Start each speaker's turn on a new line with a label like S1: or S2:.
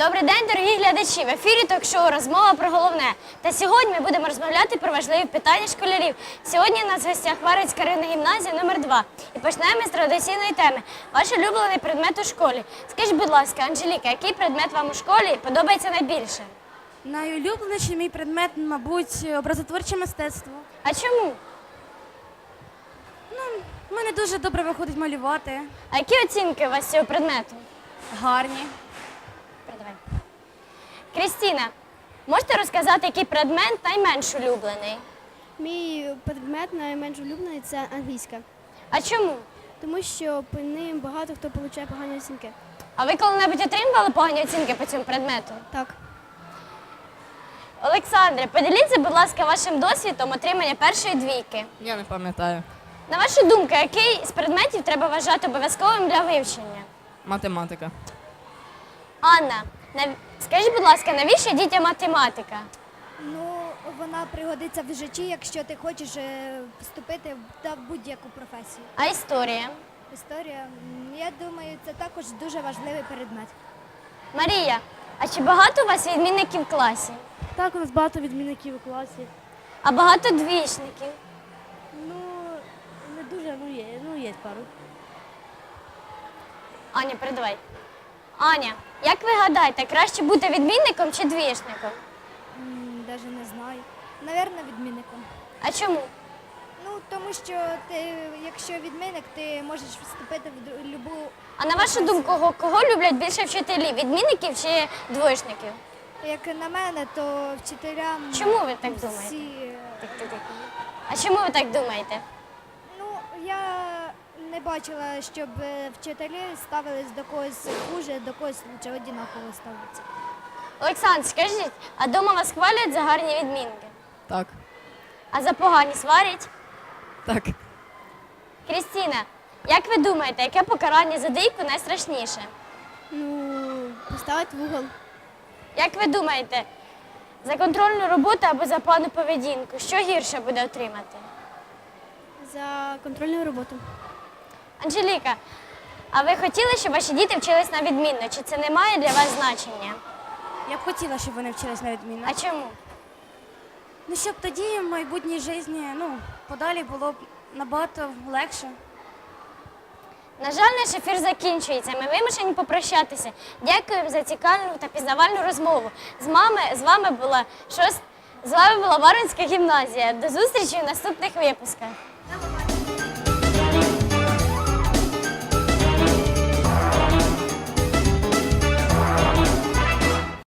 S1: Добрий день, дорогі глядачі! В ефірі ток-шоу «Розмова про головне». Та сьогодні ми будемо розмовляти про важливі питання школярів. Сьогодні у нас в гостях Варварська районна гімназія номер 2. І почнемо з традиційної теми. Ваш улюблений предмет у школі. Скажіть, будь ласка, Анжеліка, який предмет вам у школі подобається найбільше?
S2: Найулюбленіший мій предмет, мабуть, образотворче мистецтво.
S1: А чому?
S2: У мене дуже добре виходить малювати.
S1: А які оцінки у вас з цього предмету?
S2: Гарні.
S1: Передавай. Крістіна, можете розказати, який предмет найменш улюблений?
S3: Мій предмет найменш улюблений – це англійська.
S1: А чому?
S3: Тому що по ним багато хто отримує погані оцінки.
S1: А ви коли-небудь отримували погані оцінки по цьому предмету?
S3: Так.
S1: Олександре, поділіться, будь ласка, вашим досвідом отримання першої двійки.
S4: Я не пам'ятаю.
S1: На вашу думку, який з предметів треба вважати обов'язковим для вивчення?
S4: Математика.
S1: Анна, скажіть, будь ласка, навіщо дітям математика?
S5: Ну, вона пригодиться в житті, якщо ти хочеш вступити в будь-яку професію.
S1: А історія?
S5: Історія, я думаю, це також дуже важливий предмет.
S1: Марія, а чи багато у вас відмінників в класі?
S2: Так, у нас багато відмінників у класі.
S1: А багато двічників?
S2: Не дуже, є пару.
S1: Аня, передавай. Аня, як ви гадаєте, краще бути відмінником чи двічником?
S5: Навіть не знаю. Навірно, відмінником.
S1: А чому?
S5: Ну, тому що ти, якщо відмінник, ти можеш вступити в будь-яку.
S1: А на вашу думку, кого люблять більше вчителі? Відмінників чи двоєчників?
S5: Як на мене, то вчителям
S1: Чому ви так думаєте?
S5: всі...
S1: А чому ви так думаєте?
S5: Ну, я не бачила, щоб вчителі ставились до когось хуже, до когось лучше, однаково ставляться.
S1: Олександр, скажіть, а дома вас хвалять за гарні відмінки?
S4: Так.
S1: А за погані сварять?
S4: Так.
S1: Крістіна, як ви думаєте, яке покарання за двійку найстрашніше?
S3: Поставити в угол.
S1: Як ви думаєте, за контрольну роботу або за погану поведінку, що гірше буде отримати?
S3: За контрольну роботу.
S1: Анжеліка, а ви хотіли, щоб ваші діти вчились на відмінно? Чи це не має для вас значення?
S2: Я б хотіла, щоб вони вчились на відмінно.
S1: А чому?
S2: Ну, щоб тоді в майбутній житті, подалі було б набагато легше.
S1: На жаль, наш ефір закінчується. Ми вимушені попрощатися. Дякуємо за цікаву та пізнавальну розмову. З вами була Варварська гімназія. До зустрічі в наступних випусках.